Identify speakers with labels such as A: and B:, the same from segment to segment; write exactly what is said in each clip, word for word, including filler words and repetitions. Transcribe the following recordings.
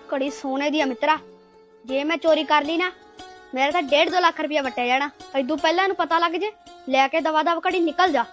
A: ਘੜੀ ਸੋਨੇ ਦੀ ਆ ਮਿੱਤਰਾ। ਜੇ ਮੈਂ ਚੋਰੀ ਕਰ ਲਈ ਨਾ मेरा तो डेढ़ दो लाख रुपया वटिया जाना। इदू पहला इहनूं पता लग जे लैके दवा दव घड़ी निकल जा।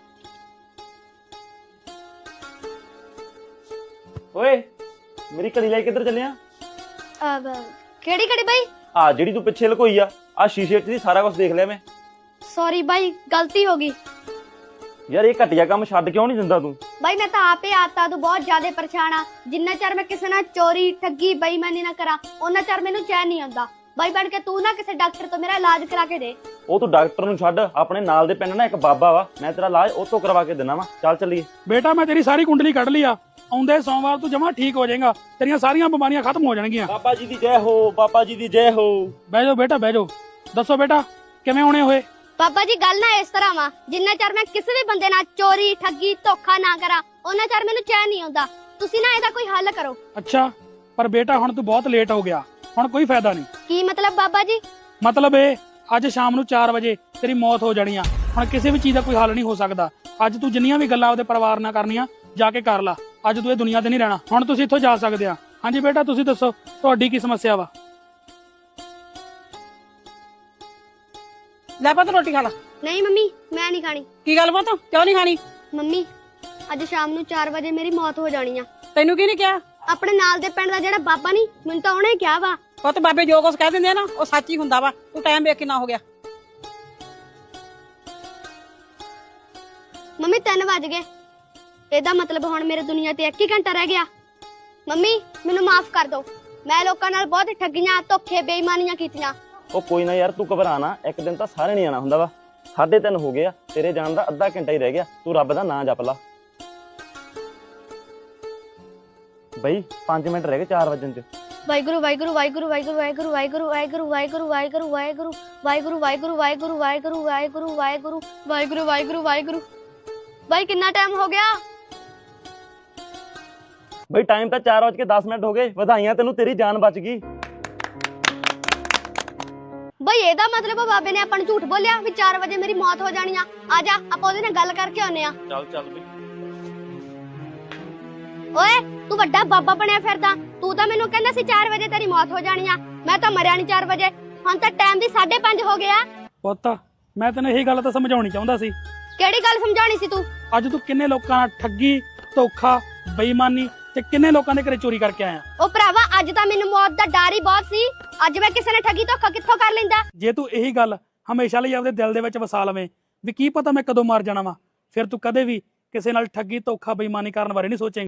B: ओए मेरी घड़ी ले किधर चलिया?
A: केड़ी घड़ी भाई?
B: आ जेड़ी तू पिछे लकोई आ आ शीशे च सारा कुछ देख लिया मैं।
A: सॉरी भाई गलती हो गई
B: यार ये घटिया काम छड्ड क्यों नहीं दिंदा तू?
A: भाई मैं तो आपे आता तू बहुत ज्यादा परेशान आ। जिन्ना चਿਰ मैं किसी नाल चोरी ठगी बेईमानी ना करा उन्ना चਿਰ मैनू चैन नहीं आउंदा। भाई बन के तू ना किसी डॉक्टर तो मेरा इलाज करा के दे।
B: ਉਹ ਤੂੰ ਡਾਕਟਰ ਨੂੰ ਛੱਡ ਆਪਣੇ ਨਾਲ ਦੇ ਪਿੰਡ ਨਾ ਇੱਕ ਬਾਬਾ ਵਾ ਮੈਂ ਤੇਰਾ ਇਲਾਜ ਉਹ ਤੋਂ ਕਰਵਾ ਕੇ ਦੇਣਾ ਵਾ। ਚੱਲ ਚੱਲੀਏ।
C: ਬੇਟਾ ਮੈਂ ਤੇਰੀ ਸਾਰੀ ਕੁੰਡਲੀ ਕੱਢ ਲਈ ਆ ਆਉਂਦੇ ਸੋਮਵਾਰ ਤੂੰ ਜਮਾ ਠੀਕ ਹੋ ਜਾਏਗਾ ਤੇਰੀਆਂ ਸਾਰੀਆਂ ਬਿਮਾਰੀਆਂ ਖਤਮ ਹੋ ਜਾਣਗੀਆਂ।
B: ਬਾਬਾ ਜੀ ਦੀ ਜੈ ਹੋ ਬਾਬਾ ਜੀ ਦੀ ਜੈ ਹੋ।
C: ਬਹਿ ਜਾਓ ਬੇਟਾ ਬਹਿ ਜਾਓ ਦੱਸੋ ਬੇਟਾ ਕਿਵੇਂ ਹੋਣੇ ਹੋਏ?
A: ਬਾਬਾ ਜੀ ਗੱਲ ਨਾ ਇਸ ਤਰ੍ਹਾਂ ਵਾ ਜਿੰਨਾ ਚਿਰ ਮੈਂ ਕਿਸੇ ਵੀ ਬੰਦੇ ਨਾਲ ਚੋਰੀ ਠੱਗੀ ਧੋਖਾ ਨਾ ਕਰਾਂ ਉਹਨਾਂ ਚਿਰ ਮੈਨੂੰ ਚੈਨ ਨਹੀਂ ਆਉਂਦਾ। ਤੁਸੀਂ ਨਾ ਇਹਦਾ ਕੋਈ ਹੱਲ ਕਰੋ।
C: ਅੱਛਾ ਪਰ ਬੇਟਾ ਹੁਣ ਤੂੰ ਬਹੁਤ ਲੇਟ ਹੋ ਗਿਆ ਹੁਣ ਕੋਈ ਫਾਇਦਾ ਨਹੀਂ।
A: ਕੀ ਮਤਲਬ ਬਾਬਾ ਜੀ?
C: ਮਤਲਬ ਇਹ ਅੱਜ ਸ਼ਾਮ ਨੂੰ ਚਾਰ ਵਜੇ ਤੇਰੀ ਮੌਤ ਹੋ ਜਾਣੀ ਆ। ਹੁਣ ਕਿਸੇ ਵੀ ਚੀਜ਼ ਦਾ ਕੋਈ ਹੱਲ ਨਹੀਂ ਹੋ ਸਕਦਾ। ਅੱਜ ਤੂੰ ਜਿੰਨੀਆਂ ਵੀ ਗੱਲਾਂ ਆਪਦੇ ਪਰਿਵਾਰ ਨਾਲ ਕਰਨੀਆਂ ਜਾ ਕੇ ਕਰ ਲਾ। ਅੱਜ ਤੂੰ ਇਹ ਦੁਨੀਆ ਤੇ ਨਹੀਂ ਰਹਿਣਾ। ਹੁਣ ਤੁਸੀਂ ਇੱਥੋਂ ਜਾ ਸਕਦੇ ਆ। ਹਾਂਜੀ ਬੇਟਾ ਤੁਸੀਂ ਦੱਸੋ ਤੁਹਾਡੀ ਕੀ ਸਮੱਸਿਆ ਵਾ?
D: ਲੈ ਪੁੱਤ ਰੋਟੀ ਖਾ ਲਾ।
A: ਨਹੀਂ ਮੰਮੀ ਮੈਂ ਨਹੀਂ ਖਾਣੀ।
D: ਕੀ ਗੱਲ ਪੁੱਤ ਕਿਉਂ ਨਹੀਂ ਖਾਣੀ?
A: ਮੰਮੀ ਅੱਜ ਸ਼ਾਮ ਨੂੰ ਚਾਰ ਵਜੇ ਮੇਰੀ ਮੌਤ ਹੋ ਜਾਣੀ ਆ।
D: ਤੈਨੂੰ ਕੀ ਨਹੀਂ ਕਿਹਾ?
A: ਆਪਣੇ ਨਾਲ ਦੇ ਪਿੰਡ ਦਾ ਜਿਹੜਾ ਬਾਬਾ ਨਹੀਂ ਮੈਨੂੰ ਤਾਂ ਉਹਨੇ ਕਿਹਾ ਵਾ।
D: ਪੁੱਤ ਬਾਬੇ ਜੋ ਕੁਝ ਕਹਿ ਦਿੰਦੇ ਆ ਨਾ ਉਹ ਸੱਚ ਹੀ ਹੁੰਦਾ ਵਾ। ਤੂੰ ਟਾਈਮ ਵੇਖ ਕਿੰਨਾ ਹੋ ਗਿਆ।
A: ਮੰਮੀ ਤਿੰਨ ਵੱਜ ਗਏ। ਇਹਦਾ ਮਤਲਬ ਹੁਣ ਮੇਰੇ ਦੁਨੀਆ ਤੇ ਇੱਕ ਹੀ ਘੰਟਾ ਰਹਿ ਗਿਆ। ਮੰਮੀ ਮੈਨੂੰ ਮਾਫ ਕਰ ਦਿਓ। ਮੈਂ ਲੋਕਾਂ ਨਾਲ ਬਹੁਤ ਠੱਗੀਆਂ ਧੋਖੇ ਬੇਈਮਾਨੀਆਂ ਕੀਤੀਆਂ।
B: ਉਹ ਕੋਈ ਨਾ ਯਾਰ ਤੂੰ ਘਬਰਾ ਨਾ ਇੱਕ ਦਿਨ ਤਾਂ ਸਾਰੇ ਨਹੀਂ ਆਣਾ ਹੁੰਦਾ ਵਾ। ਸਾਢੇ ਤਿੰਨ ਹੋ ਗਏ ਆ ਤੇਰੇ ਜਾਣ ਦਾ ਅੱਧਾ ਘੰਟਾ ਹੀ ਰਹਿ ਗਿਆ। ਤੂੰ ਰੱਬ ਦਾ ਨਾਂ ਜਪ ਲਾ। ਬਈ ਪੰਜ ਮਿੰਟ ਰਹਿ ਗਏ ਚਾਰ ਵਜਣ ਚ।
A: ਵਾਹਿਗੁਰੂ ਵਾਹਿਗੁਰੂ ਵਾਹਿਗੁਰੂ ਵਾਹਿਗੁਰੂ ਵਾਹਿਗੁਰੂ ਵਾਹਿਗੁਰੂ ਵਾਹਿਗੁਰੂ ਵਾਹਿਗੁਰੂ ਵਾਹਿਗੁਰੂ ਵਾਹਿਗੁਰੂ ਵਾਹਿਗੁਰੂ ਵਾਹਿਗੁਰੂ ਵਾਹਿਗੁਰੂ ਵਾਹਿਗੁਰੂ ਵਾਹਿਗੁਰੂ ਵਾਹਿਗੁਰੂ ਵਾਹਿਗੁਰੂ ਵਾਹਿਗੁਰੂ ਵਾਹਿਗੁਰੂ। ਬਾਈ ਕਿੰਨਾ ਟਾਈਮ ਹੋ ਗਿਆ?
B: ਬਈ ਟਾਈਮ ਤਾਂ ਚਾਰ ਵਜ ਕੇ ਦਸ ਮਿੰਟ ਹੋ ਗਏ। ਵਧਾਈਆਂ ਤੈਨੂੰ ਤੇਰੀ ਜਾਨ ਬਚ ਗਈ।
A: ਬਈ ਇਹਦਾ ਮਤਲਬ ਬਾਬੇ ਨੇ ਆਪਾਂ ਨੂੰ ਝੂਠ ਬੋਲਿਆ ਵੀ ਚਾਰ ਵਜੇ ਮੇਰੀ ਮੌਤ ਹੋ ਜਾਣੀ ਆ। ਆ ਜਾ ਆਪਾਂ ਉਹਦੇ ਨਾਲ ਗੱਲ ਕਰਕੇ ਆਉਨੇ ਆ।
B: ਚੱਲ ਚੱਲ ਬਈ।
A: ਓਏ ਤੂੰ ਵੱਡਾ ਬਾਬਾ ਬਣਿਆ ਫਿਰਦਾ। ਤੂੰ ਤਾਂ ਮੈਨੂੰ ਕਹਿੰਦਾ ਸੀ ਚਾਰ ਵਜੇ ਤੇਰੀ ਮੌਤ ਹੋ ਜਾਣੀ ਆ। ਮੈਂ ਤਾਂ ਮਰਿਆ ਨਹੀਂ ਚਾਰ ਵਜੇ। ਹੁਣ ਤਾਂ ਟਾਈਮ ਵੀ ਸਾਢੇ ਪੰਜ ਹੋ ਗਿਆ।
C: ਪੁੱਤ ਮੈਂ ਤੈਨੂੰ ਇਹੀ ਗੱਲ ਤਾਂ ਸਮਝਾਉਣੀ ਚਾਹੁੰਦਾ ਸੀ।
A: ਕਿਹੜੀ ਗੱਲ ਸਮਝਾਉਣੀ ਸੀ ਤੂੰ?
C: ਅੱਜ ਤੂੰ ਕਿੰਨੇ ਲੋਕਾਂ ਨਾਲ ਠੱਗੀ ਧੋਖਾ ਬੇਈਮਾਨੀ ਤੇ ਕਿੰਨੇ ਲੋਕਾਂ ਦੇ ਘਰੇ ਚੋਰੀ ਕਰਕੇ ਆਇਆ।
A: ਉਹ ਭਰਾਵਾ ਅੱਜ ਤਾਂ ਮੈਨੂੰ ਮੌਤ ਦਾ ਡਰ ਹੀ ਬਹੁਤ ਸੀ। ਅੱਜ ਮੈਂ ਕਿਸੇ ਨੇ ਠੱਗੀ ਧੋਖਾ ਕਿੱਥੋਂ ਕਰ ਲੈਂਦਾ।
C: ਜੇ ਤੂੰ ਇਹੀ ਗੱਲ ਹਮੇਸ਼ਾ ਲਈ ਆਪਦੇ ਦਿਲ ਦੇ ਵਿੱਚ ਵਸਾ ਲਵੇਂ ਵੀ ਕੀ ਪਤਾ ਮੈਂ ਕਦੋਂ ਮਰ ਜਾਣਾ ਵਾ ਫਿਰ ਤੂੰ ਕਦੇ ਵੀ ਕਿਸੇ ਨਾਲ ਠੱਗੀ ਧੋਖਾ ਬੇਈਮਾਨੀ ਕਰਨ ਬਾਰੇ ਨਹੀਂ ਸੋਚੇਂਗਾ।